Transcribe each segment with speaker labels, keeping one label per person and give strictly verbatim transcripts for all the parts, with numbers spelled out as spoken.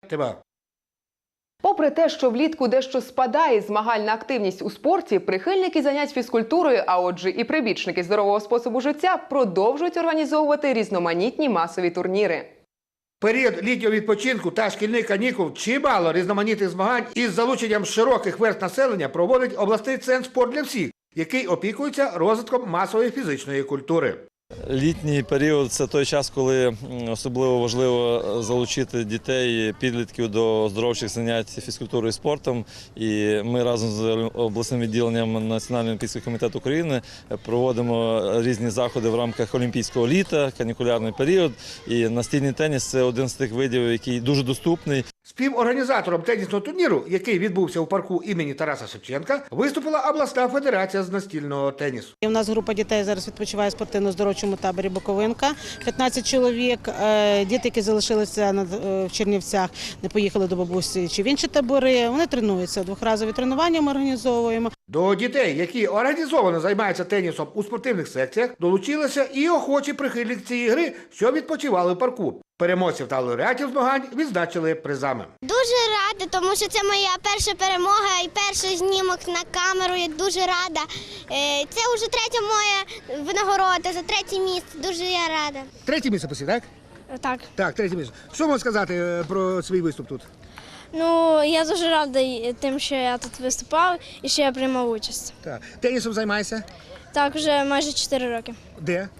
Speaker 1: ТВА.
Speaker 2: Попри те, що влітку дещо спадає змагальна активність у спорті, прихильники занять фізкультурою, а отже і прибічники здорового способу життя продовжують організовувати різноманітні масові турніри.
Speaker 1: Період літнього відпочинку та шкільних канікул чимало різноманітних змагань із залученням широких верств населення проводить обласний центр «Спорт для всіх», який опікується розвитком масової фізичної культури.
Speaker 3: Літній період – це той час, коли особливо важливо залучити дітей, підлітків до оздоровчих занять фізкультурою і спортом. І ми разом з обласним відділенням Національного олімпійського комітету України проводимо різні заходи в рамках олімпійського літа, канікулярний період. І настільний теніс – це один з тих видів, який дуже доступний.
Speaker 1: Співорганізатором тенісного турніру, який відбувся у парку імені Тараса Шевченка, виступила обласна федерація з настільного тенісу.
Speaker 4: У нас група дітей зараз відпочиває в спортивно-здоровчому таборі «Буковинка». п'ятнадцять чоловік. Діти, які залишилися в Чернівцях, не поїхали до бабусі чи в інші табори. Вони тренуються. Двохразові тренування ми організовуємо.
Speaker 1: До дітей, які організовано займаються тенісом у спортивних секціях, долучилися і охочі прихильники цієї гри, що відпочивали в парку. Переможців та лауреатів змагань відзначили призами.
Speaker 5: Дуже рада, тому що це моя перша перемога і перший знімок на камеру. Я дуже рада. Це вже третя моя винагорода за третє місце. Дуже я рада.
Speaker 1: Третє місце посі, так?
Speaker 5: Так.
Speaker 1: Так, третє місце. Що можна сказати про свій виступ тут?
Speaker 5: Ну, я дуже рада тим, що я тут виступав і що я приймав участь.
Speaker 1: Так. Тенісом займаєшся?
Speaker 5: Так, вже майже чотири роки.
Speaker 1: Де?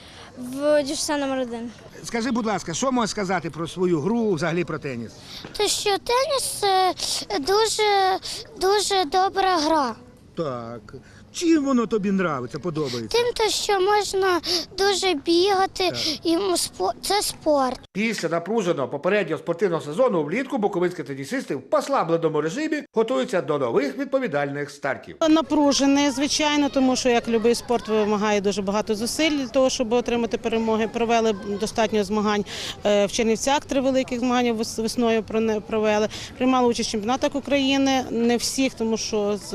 Speaker 5: В ДЮСШ номер один.
Speaker 1: Скажи, будь ласка, що можеш сказати про свою гру, взагалі про теніс?
Speaker 5: Те, що теніс дуже, дуже добра гра.
Speaker 1: Так. Чим воно тобі подобається, подобається?
Speaker 5: Тим, то, що можна дуже бігати,
Speaker 1: так.
Speaker 5: І це спорт.
Speaker 1: Після напруженого попереднього спортивного сезону влітку буковинські тенісисти в послабленому режимі готуються до нових відповідальних стартів.
Speaker 4: Напружений, звичайно, тому що, як будь-який спорт, вимагає дуже багато зусиль для того, щоб отримати перемоги. Провели достатньо змагань в Чернівцях, три великих змагання весною провели. Приймали участь в чемпіонатах України, не всіх, тому що з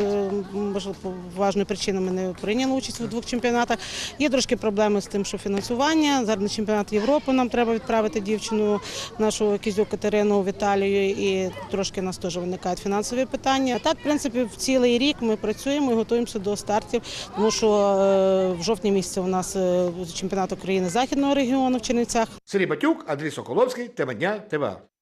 Speaker 4: важливою причинами не прийняли участь у двох чемпіонатах. Є трошки проблеми з тим, що фінансування. Зараз на чемпіонат Європи нам треба відправити дівчину, нашу Кізюк Катерину в Італію, і трошки у нас теж виникають фінансові питання. Так, в принципі, в цілий рік ми працюємо і готуємося до стартів, тому що в жовтні місяці у нас чемпіонат України Західного регіону в Чернівцях.
Speaker 1: Сергій Батюк, Андрій Соколовський, Тема дня, ТВА.